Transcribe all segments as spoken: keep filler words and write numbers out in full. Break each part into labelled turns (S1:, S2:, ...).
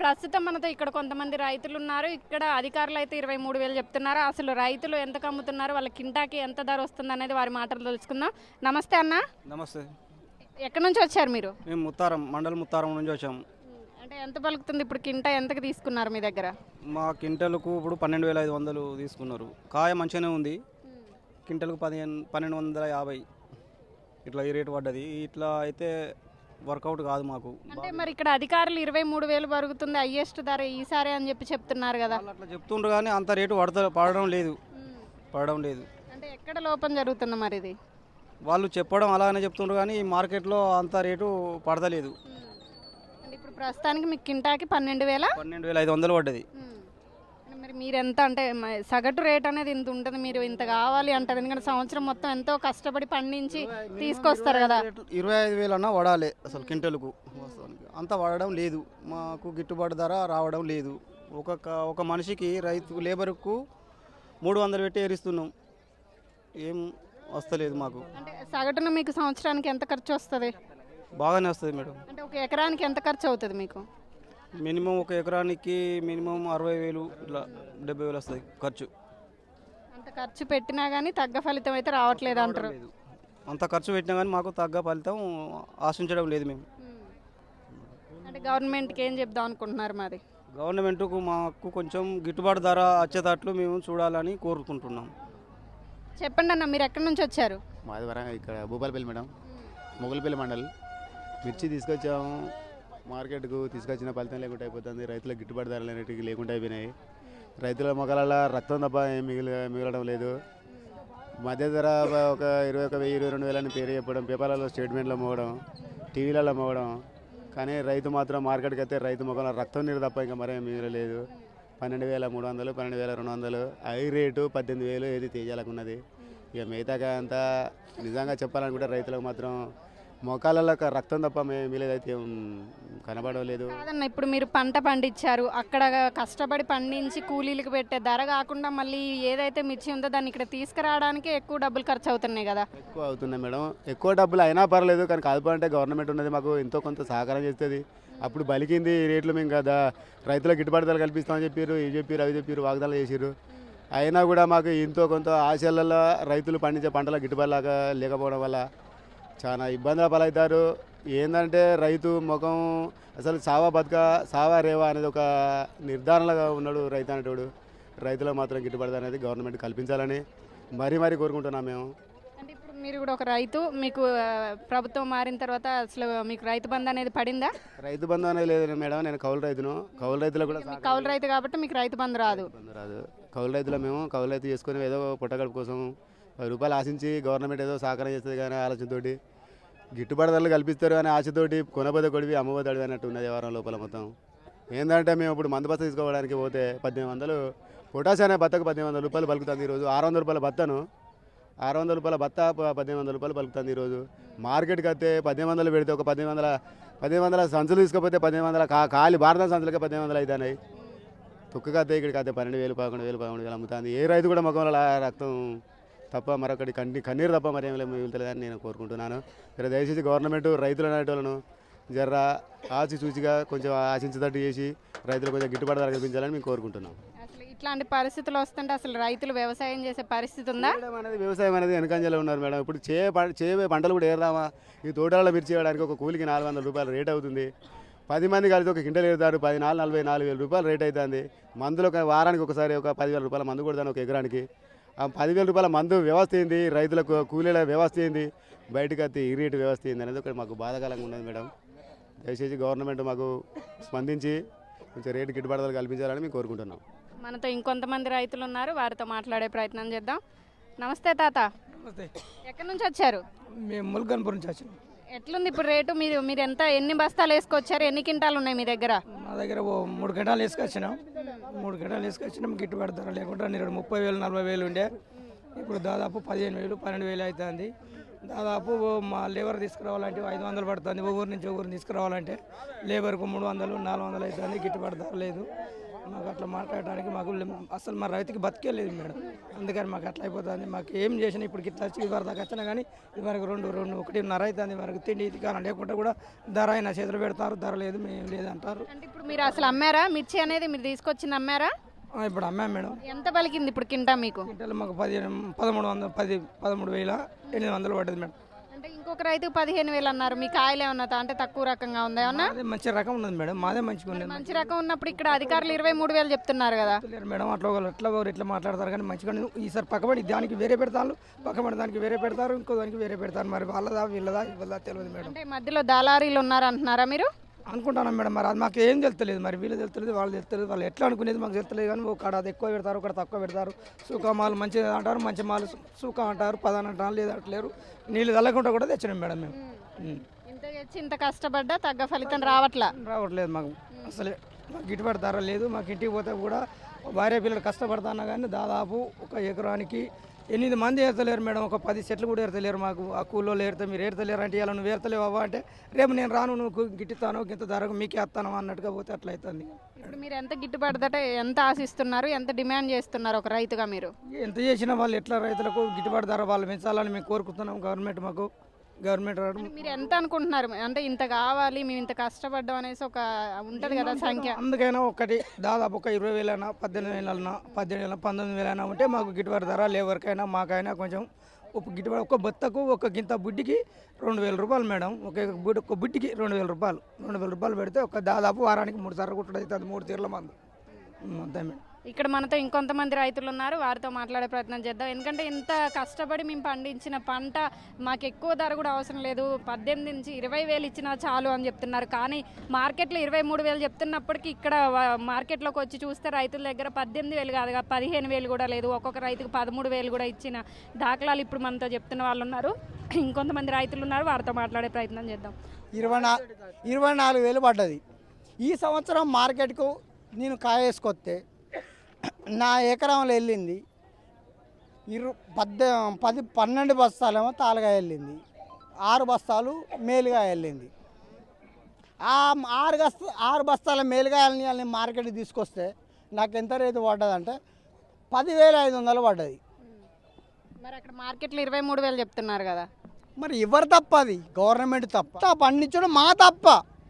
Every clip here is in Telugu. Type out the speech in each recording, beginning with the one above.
S1: ప్రస్తుతం మనతో ఇక్కడ కొంతమంది రైతులు ఉన్నారు. ఇక్కడ అధికారులు అయితే ఇరవై మూడు వేలు చెప్తున్నారు. అసలు రైతులు ఎంతకు అమ్ముతున్నారు, వాళ్ళ కింటాకి ఎంత ధర వస్తుంది అనేది వారి మాటలు తెలుసుకుందాం. నమస్తే అన్న.
S2: నమస్తే.
S1: ఎక్కడి నుంచి వచ్చారు మీరు?
S2: మేము ముత్తారం మండలం ముత్తారం నుంచి వచ్చాము.
S1: అంటే ఎంత పలుకుతుంది ఇప్పుడు కింటా, ఎంతకు తీసుకున్నారు మీ దగ్గర?
S2: మా కింటలకు ఇప్పుడు పన్నెండు వేల ఐదు వందలు తీసుకున్నారు. కాయ మంచిగానే ఉంది. కింటలకు పదిహేను పన్నెండు వందల యాభై ఇట్లా ఈ రేటు పడ్డది. ఇట్లా అయితే వర్కౌట్ కాదు మాకు.
S1: అంటే మరి ఇక్కడ అధికారులు ఇరవై మూడు వేలు పరుగుతుంది హైయెస్ట్ ధర ఈసారి అని చెప్పి చెప్తున్నారు కదా.
S2: వాళ్ళు అట్లా చెప్తుండ్రు కానీ అంత రేటు పడత పడడం లేదు పడడం లేదు
S1: అంటే ఎక్కడ లోపం జరుగుతుంది మరి ఇది?
S2: వాళ్ళు చెప్పడం అలాగనే చెప్తుండ్రు కానీ ఈ మార్కెట్లో అంత రేటు పడతలేదు.
S1: అంటే ఇప్పుడు ప్రస్తుతానికి మీకు కింటాకి పన్నెండు వేల
S2: పన్నెండు వేల ఐదు వందలు పడ్డది.
S1: మరి మీరు ఎంత అంటే మ- సగటు రేట్ అనేది ఇంత ఉంటుంది, మీరు ఇంత కావాలి అంటారు. ఎందుకంటే సంవత్సరం మొత్తం ఎంతో కష్టపడి పండించి తీసుకొస్తారు కదా.
S2: ఇరవై ఐదు వేలు అన్నా పడాలి అసలు కింటలకు. వాస్తవానికి అంత పడడం లేదు. మాకు గిట్టుబాటు ధర రావడం లేదు. ఒక క- ఒక మనిషికి రైతు లేబర్కు మూడు వందలు పెట్టి ఏరిస్తున్నాం. ఏం వస్తలేదు మాకు.
S1: అంటే సగటున మీకు సంవత్సరానికి ఎంత ఖర్చు వస్తుంది?
S2: బాగానే వస్తుంది మేడం.
S1: అంటే ఒక ఎకరానికి ఎంత ఖర్చు అవుతుంది మీకు?
S2: మినిమం ఒక ఎకరానికి మినిమం అరవై వేలు ఇట్లా డెబ్బై వేలు వస్తుంది ఖర్చు.
S1: అంత ఖర్చు పెట్టినా కానీ తగ్గ ఫలితం అయితే రావట్లేదు అంటారు.
S2: లేదు. అంత ఖర్చు పెట్టినా కానీ మాకు తగ్గ ఫలితం ఆశించడం లేదు. మేము
S1: అంటే గవర్నమెంట్కి ఏం చెప్దాం అనుకుంటున్నారు మరి?
S2: గవర్నమెంట్కు మాకు కొంచెం గిట్టుబాటు ధర వచ్చేటట్లు మేము చూడాలని కోరుకుంటున్నాం.
S1: చెప్పండి అన్న, మీరు ఎక్కడి నుంచి వచ్చారు?
S3: మాది వరంగల్, ఇక్కడ భూపాలపల్లి మేడం, మొగలపల్లి మండల్. మిర్చి తీసుకొచ్చాము, మార్కెట్కు తీసుకొచ్చిన ఫలితం లేకుండా అయిపోతుంది. రైతులకు గిట్టుబాటు ధరలు అనేటివి లేకుండా అయిపోయినాయి. రైతుల మొక్కల రక్తం తప్ప ఏం మిగిలి మిగలడం లేదు. మధ్య ధర ఒక ఇరవై ఒక వెయ్యి ఇరవై రెండు వేలని పేరు చెప్పడం, పేపర్లలో స్టేట్మెంట్లో మోగడం, టీవీలలో మోగడం. కానీ రైతు మాత్రం మార్కెట్కి అయితే రైతు మొక్కల రక్తం నీరు తప్ప ఇంకా మరేం మిగలలేదు. పన్నెండు వేల మూడు వందలు పన్నెండు వేల రెండు వందలు ఐ రేటు పద్దెనిమిది వేలు ఏది తేజాలకున్నది. ఇక మిగతాగా అంతా నిజంగా చెప్పాలనుకుంటే రైతులకు మాత్రం మొక్కలలో రక్తం తప్ప మిగలేదైతే కనబడలేదు.
S1: కాదన్న, ఇప్పుడు మీరు పంట పండించారు, అక్కడ కష్టపడి పండించి కూలీలకు పెట్టే ధర కాకుండా మళ్ళీ ఏదైతే మిర్చి ఉందో దాన్ని ఇక్కడ తీసుకురావడానికి ఎక్కువ డబ్బులు ఖర్చు అవుతున్నాయి కదా.
S3: ఎక్కువ అవుతున్నాయి మేడం. ఎక్కువ డబ్బులు అయినా పర్లేదు, కానీ కాదుపంటే గవర్నమెంట్ ఉన్నది మాకు ఎంతో కొంత సహకారం చేస్తుంది. అప్పుడు బలికింది ఈ రేట్లు మేము కదా రైతులకు గిట్టుబాటు ధరలు కల్పిస్తామని చెప్పారు, ఇవి చెప్పారు అవి చెప్పారు, వాగ్దానాలు చేసారు. అయినా కూడా మాకు ఎంతో కొంత ఆశలలో రైతులు పండించే పంటల గిట్టుబాటు లాగా లేకపోవడం వల్ల చాలా ఇబ్బందుల పాలవుతారు. ఏంటంటే రైతు ముఖం అసలు సావా బతుక సావా రేవా అనేది ఒక నిర్ధారణగా ఉన్నాడు రైతు అనేటోడు. రైతులకు మాత్రం గిట్టుబాటు అనేది గవర్నమెంట్ కల్పించాలని మరీ మరీ కోరుకుంటున్నాం మేము.
S1: అంటే ఇప్పుడు మీరు కూడా ఒక రైతు, మీకు ఆ, ప్రభుత్వం మారిన తర్వాత అసలు మీకు రైతు బంధు అనేది పడిందా?
S3: రైతు బంధు అనేది లేదు మేడం. నేను కౌలు రైతును. కౌలు రైతులకు కూడా
S1: మీకు కౌలు రైతు కాబట్టి మీకు రైతు బంధు రాదు.
S3: బంధు రాదు. కౌలు రైతులు మేము కౌలు రైతు చేసుకుని ఏదో పుట్టగడుపు కోసం పది రూపాయలు ఆశించి గవర్నమెంట్ ఏదో సహకారం చేస్తుంది కానీ ఆలోచనతోటి గిట్టుబాటు ధరలు కల్పిస్తారు కానీ ఆశతోటి కొనబోతే కొడివి అమ్మబోతే అడివి అన్నట్టు ఉన్నది వారం లోపల మొత్తం. ఏంటంటే మేము ఇప్పుడు మందు బస్త తీసుకోవడానికి పోతే పద్దెనిమిది వందలు పొటాష్ అనే బత్తకు పద్దెనిమిది వందల రూపాయలు పలుకుతుంది ఈరోజు. ఆరు వందల రూపాయల బత్తను ఆరు వందల రూపాయల బత్త పద్దెనిమిది వందల రూపాయలు పలుకుతుంది ఈరోజు. మార్కెట్కి వస్తే పద్దెనిమిది వందలు పెడితే ఒక పద్దెనిమిది వందల పద్దెనిమిది వందల సంచులు తీసుకపోతే పద్దెనిమిది వందల కా ఖాళీ భారత సంచులకే పద్దెనిమిది వందలు అవుతున్నాయి. తుక్కగా వస్తే ఇక్కడికి వస్తే పన్నెండు వేలు పదకొండు వేలు పదకొండు వేలు అమ్ముతుంది. ఏ రైతు కూడా ముఖంలో రక్తం తప్ప మరొకటి కన్ని కన్నీరు తప్ప మరేం మిగులుతలేదని నేను కోరుకుంటున్నాను. జర దయచేసి గవర్నమెంట్ రైతులు అనేటోళ్ళను జర ఆచి చూచిగా కొంచెం ఆశించేటట్టు చేసి రైతులు కొంచెం గిట్టుబాటు ధర కల్పించాలని మేము కోరుకుంటున్నాం.
S1: అసలు ఇట్లాంటి పరిస్థితులు వస్తుంటే అసలు రైతులు వ్యవసాయం చేసే పరిస్థితి ఉందా?
S3: చేయడం అనేది వ్యవసాయం అనేది వెనకంజలో ఉన్నారు మేడం. ఇప్పుడు చే చేయబోయే పంటలు కూడా ఏరుదామా? ఈ తోటలలో మిర్చి చేయడానికి ఒక కూలికి నాలుగు వందల రూపాయలు రేట్ అవుతుంది. పది మంది కలిసి ఒక కింటలు ఏరుతారు, పది నాలుగు నలభై నాలుగు వేల రూపాయలు రేట్ అవుతుంది. మందులు ఒక వారానికి ఒకసారి ఒక పదివేల రూపాయల మందు కొడతాను ఒక ఎకరానికి. ఆ పదివేల రూపాయల మందు వ్యవస్థ ఏంది, రైతులకు కూలీల వ్యవస్థ ఏంది, బయటకు వస్తే ఈ రేటు వ్యవస్థ ఏంది అనేది ఒకటి మాకు బాధాకరంగా ఉన్నది మేడం. దయచేసి గవర్నమెంట్ మాకు స్పందించి కొంచెం రేటు గిట్టుబాటు ధరలు కల్పించాలని మేము కోరుకుంటున్నాం.
S1: మనతో ఇంకొంతమంది రైతులు ఉన్నారు, వారితో మాట్లాడే ప్రయత్నం చేద్దాం. నమస్తే తాత.
S4: నమస్తే.
S1: ఎక్కడి నుంచి వచ్చారు?
S4: మేము ముల్కన్పూర్ నుంచి వచ్చినాం.
S1: ఎట్లుంది ఇప్పుడు రేటు? మీరు మీరు ఎంత ఎన్ని బస్తాలు వేసుకొచ్చారు, ఎన్ని కింటాలు ఉన్నాయి మీ దగ్గర?
S4: మా దగ్గర ఓ మూడు గంటలు వేసుకొచ్చినాం. మూడు గంటలు వేసుకొచ్చినాం. గిట్టుబాటు ధర లేకుండా నేను ముప్పై వేలు నలభై వేలు ఉండే, ఇప్పుడు దాదాపు పదిహేను వేలు పన్నెండు వేలు అవుతుంది. దాదాపు మా లేబర్ తీసుకురావాలంటే ఐదు వందలు పడుతుంది. ఊరు నుంచి ఊరిని తీసుకురావాలంటే లేబర్కు మూడు వందలు నాలుగు వందలు అవుతుంది. గిట్టుబాటు ధర లేదు. మాకు అట్లా మాట్లాడడానికి మాకు అసలు మా రైతుకి బతికే లేదు మేడం. అందుకని మాకు అట్లా అయిపోతుంది. మాకు ఏం చేసినా ఇప్పుడు ఇట్లా వచ్చి ఇవరి దాకా వచ్చినా కానీ ఇవరకు రెండు రెండు ఒకటిన్నర అవుతుంది. వరకు తిండి ఇది కానీ లేకుంటే కూడా ధర అయినా చేతులు పెడతారు, ధర లేదు మేము లేదు అంటారు.
S1: అంటే ఇప్పుడు మీరు అసలు అమ్మారా మిర్చి అనేది మీరు తీసుకొచ్చింది అమ్మారా?
S4: ఆ, ఇప్పుడు అమ్మాం మేడం.
S1: ఎంత పలికింది ఇప్పుడు కింటా మీకు?
S4: క్వింటాలు మాకు పదిహేను పదమూడు వందలు పది పదమూడు వేల ఎనిమిది వందలు పడ్డది మేడం.
S1: అంటే ఇంకొక రైతుకు పదిహేను వేలు అన్నారు. మీ కాయలు ఏమన్నా తా- అంటే తక్కువ రకంగా ఉందా ఏమన్నా?
S4: అదే మంచి రకం ఉన్నది మేడం, మాదే మంచిగా ఉన్నది.
S1: మంచి రకం ఉన్నప్పుడు ఇక్కడ అధికారులు ఇరవై మూడు వేలు చెప్తున్నారు కదా.
S4: లేరు మేడం, అట్లా ఒకరు ఎట్లా ఒకరు ఇట్లా మాట్లాడతారు కానీ మంచిగా ఉన్నది. ఈసారి పక్కబడి దానికి వేరే పెడతారు, పక్కబడి దానికి వేరే పెడతారు, ఇంకో దానికి వేరే పెడతారు. మరి వాళ్ళదా వీళ్ళదా ఇవ్వదా తెలియదు మేడం.
S1: అంటే మధ్యలో దళారీలు ఉన్నారు అంటున్నారా మీరు?
S4: అనుకుంటాను మేడం, మరి అది మాకు ఏం తెలుస్తలేదు. మరి వీళ్ళు తెలుస్తలేదు, వాళ్ళు తెలుస్తలేదు. వాళ్ళు ఎట్లా అనుకునేది మాకు తెలుస్తలేదు. కానీ ఒక కాడ అది ఎక్కువ పెడతారు, ఒకటి తక్కువ పెడతారు. సూకా మాలు మంచిది అంటారు, మంచి మాలు సూకా అంటారు, పదాని అంటారు, లేదు అంటలేరు. నీళ్ళు తల్లకుండా కూడా తెచ్చినాం మేడం మేము. ఉం.
S1: ఇంత తెచ్చి ఇంత కష్టపడ్డా తగ్గ ఫలితం రావట్లా.
S4: రావట్లేదు మాకు అసలే. మాకు గిట్టుబాటు ధర లేదు. మాకు ఇంటికి పోతే కూడా భార్య పిల్లలు కష్టపడతాన్నా కానీ దాదాపు ఒక ఎకరానికి ఎనిమిది మంది ఏర్తలేరు మేడం. ఒక పది సెట్లు కూడా ఏర్తలేరు మాకు. ఆ కూల్లో ఏరితే మీరు ఏర్తలేరు అంటే ఇలా నువ్వు ఏర్తలేవు అవ్వ అంటే రేపు నేను రాను, నువ్వు గిట్టుతాను ఇంత ధరకు మీకే వస్తాను అన్నట్టుగా పోతే అట్లా అవుతుంది.
S1: ఇప్పుడు మీరు ఎంత గిట్టుబడదట ఎంత ఆశిస్తున్నారు, ఎంత డిమాండ్ చేస్తున్నారు ఒక రైతుగా మీరు?
S4: ఎంత చేసినా వాళ్ళు ఎట్లా రైతులకు గిట్టుబాటు ధర వాళ్ళు పెంచాలని మేము కోరుకుంటున్నాం. గవర్నమెంట్ మాకు గవర్నమెంట్ రావడం
S1: మీరు ఎంత అనుకుంటున్నారు? అంటే ఇంత కావాలి, మేము ఇంత కష్టపడ్డాం అనేసి ఒక ఉంటది కదా సంఖ్య.
S4: అందుకైనా ఒకటి దాదాపు ఒక ఇరవై వేలైనా పద్దెనిమిది వేలైనా పద్దెనిమిది వేల పంతొమ్మిది వేలైనా ఉంటే మాకు గిట్టుబాటు ధర లేవరికైనా మాకైనా కొంచెం ఒక గిట్టుబాటు. ఒక బత్తకు ఒక గింత బుడ్డికి రెండు వేల రూపాయలు మేడం. ఒక బుడ్డి ఒక బుడ్డికి రెండు వేల రూపాయలు రెండు వేల రూపాయలు పెడితే ఒక దాదాపు వారానికి మూడు సార్లు కుట్టడం అవుతుంది. మూడు తీర్ల మందు అంతే మేడం.
S1: ఇక్కడ మనతో ఇంకొంతమంది రైతులు ఉన్నారు, వారితో మాట్లాడే ప్రయత్నం చేద్దాం. ఎందుకంటే ఇంత కష్టపడి మేము పండించిన పంట మాకు ఎక్కువ ధర కూడా అవసరం లేదు, పద్దెనిమిది నుంచి ఇరవై వేలు ఇచ్చినా చాలు అని చెప్తున్నారు. కానీ మార్కెట్లో ఇరవై మూడు వేలు చెప్తున్నప్పటికీ ఇక్కడ వ- మార్కెట్లోకి వచ్చి చూస్తే రైతుల దగ్గర పద్దెనిమిది వేలు కాదు కదా, పదిహేను వేలు కూడా లేదు. ఒక్కొక్క రైతుకు పదమూడు వేలు కూడా ఇచ్చిన దాఖలాలు ఇప్పుడు మనతో చెప్తున్న వాళ్ళు ఉన్నారు. ఇంకొంతమంది రైతులు ఉన్నారు, వారితో మాట్లాడే ప్రయత్నం చేద్దాం.
S5: ఇరవై నా ఇరవై నాలుగు వేలు పడ్డది. ఈ సంవత్సరం మార్కెట్కు నేను కాయ వేసుకొస్తే నా ఎకరంలో వెళ్ళింది ఇరు పద్దె పది పన్నెండు బస్తాలేమో తాలుగా వెళ్ళింది, ఆరు బస్తాలు మేలుగా వెళ్ళింది. ఆ ఆరు బస్తా ఆరు బస్తాల మేలుగాయలని వాళ్ళని మార్కెట్కి తీసుకొస్తే నాకు ఎంత రేటు పడ్డదంటే పదివేల ఐదు వందలు పడ్డది.
S1: మరి అక్కడ మార్కెట్లో ఇరవై మూడు వేలు చెప్తున్నారు కదా.
S5: మరి ఎవరు తప్ప? అది గవర్నమెంట్ తప్ప, పండించడం మా తప్ప.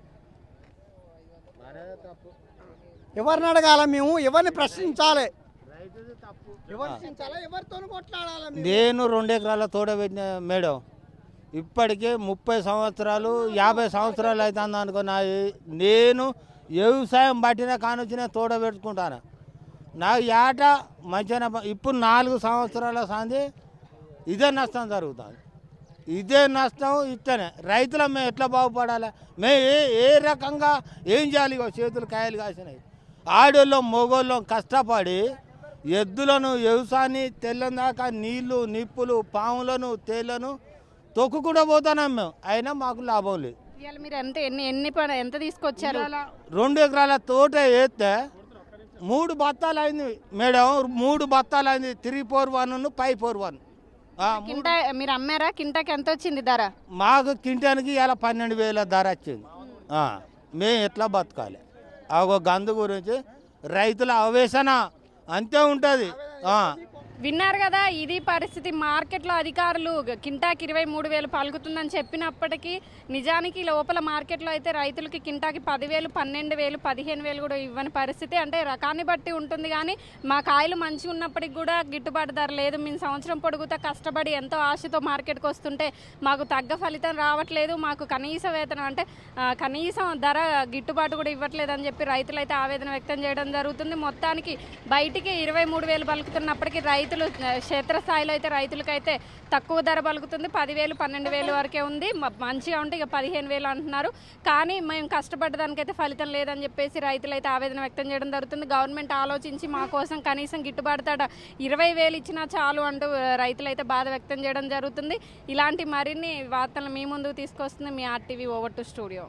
S5: ఎవరిని అడగాల మేము? ఎవరిని ప్రశ్నించాలి? ప్రశ్నించాలా? ఎవరితో కొట్లాడాలి?
S6: నేను రెండు ఎకరాల తోట పెట్టిన మేడం, ఇప్పటికే ముప్పై సంవత్సరాలు యాభై సంవత్సరాలు అవుతుంది అనుకున్నా. నేను వ్యవసాయం పట్టిన కానొచ్చిన తోట పెట్టుకుంటాను. నాకు ఏట మంచిగా ఇప్పుడు నాలుగు సంవత్సరాల సంది ఇదే నష్టం జరుగుతుంది. ఇదే నష్టం ఇట్లనే రైతుల మేము ఎట్లా బాగుపడాలి? మేము ఏ ఏ రకంగా ఏం చేయాలి? ఇగో చేతులు కాయలు కాసినాయి. ఆడోళ్ళం మొగోళ్ళం కష్టపడి ఎద్దులను వ్యవసాయాన్ని తెల్లందాకా నీళ్లు నిప్పులు పాములను తేళ్లను తొక్కుకుండా పోతున్నాం మేము, అయినా మాకు లాభం లేదు.
S1: ఇవాళ మీరు ఎంత ఎన్ని ఎన్ని ప- ఎంత తీసుకొచ్చారు?
S6: రెండు ఎకరాల తోట వేస్తే మూడు బత్తాలు అయింది మేడం, మూడు బత్తాలు అయింది. Three four one five four one
S1: కింటా మీరు అమ్మారా? కింటాకి ఎంత వచ్చింది ధర?
S6: మాకు కింటానికి ఇలా పన్నెండు వేల ధర వచ్చింది. ఆ, మేము ఎట్లా బతకాలి? ఆ ఒక గందు గురించి రైతుల ఆవేశన అంతే ఉంటుంది.
S1: విన్నారు కదా, ఇది పరిస్థితి. మార్కెట్లో అధికారులు కింటాకి ఇరవై మూడు వేలు పలుకుతుందని చెప్పినప్పటికీ నిజానికి లోపల మార్కెట్లో అయితే రైతులకి కింటాకి పదివేలు పన్నెండు వేలు పదిహేను వేలు కూడా ఇవ్వని పరిస్థితి. అంటే రకాన్ని బట్టి ఉంటుంది, కానీ మా కాయలు మంచిగా ఉన్నప్పటికి కూడా గిట్టుబాటు ధర లేదు. మేము సంవత్సరం పొడుగుతా కష్టపడి ఎంతో ఆశతో మార్కెట్కి వస్తుంటే మాకు తగ్గ ఫలితం రావట్లేదు, మాకు కనీస వేతనం అంటే ఆ, కనీసం ధర గిట్టుబాటు కూడా ఇవ్వట్లేదు అని చెప్పి రైతులు అయితే ఆవేదన వ్యక్తం చేయడం జరుగుతుంది. మొత్తానికి బయటికి ఇరవై మూడు వేలు పలుకుతున్నప్పటికీ రైతులు క్షేత్రస్థాయిలో అయితే రైతులకైతే తక్కువ ధర పలుకుతుంది. పదివేలు పన్నెండు వేలు వరకే ఉంది. మ- మంచిగా ఉంటే ఇక పదిహేను వేలు అంటున్నారు. కానీ మేము కష్టపడ్డదానికైతే ఫలితం లేదని చెప్పేసి రైతులు అయితే ఆవేదన వ్యక్తం చేయడం జరుగుతుంది. గవర్నమెంట్ ఆలోచించి మా కోసం కనీసం గిట్టుబాటు ధర ఇరవై వేలు ఇచ్చినా చాలు అంటూ రైతులు అయితే బాధ వ్యక్తం చేయడం జరుగుతుంది. ఇలాంటి మరిన్ని వార్తలు మీ ముందుకు తీసుకొస్తుంది మీ ఆర్టీవీ ఓవర్ టు స్టూడియో.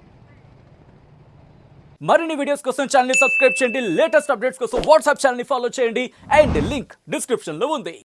S7: మరిన్ని వీడియోస్ కోసం ఛానల్ ని సబ్స్క్రైబ్ చేయండి. లేటెస్ట్ అప్డేట్స్ కోసం వాట్సాప్ ఛానల్ ని ఫాలో చేయండి. అండ్ లింక్ డిస్క్రిప్షన్ లో ఉంది.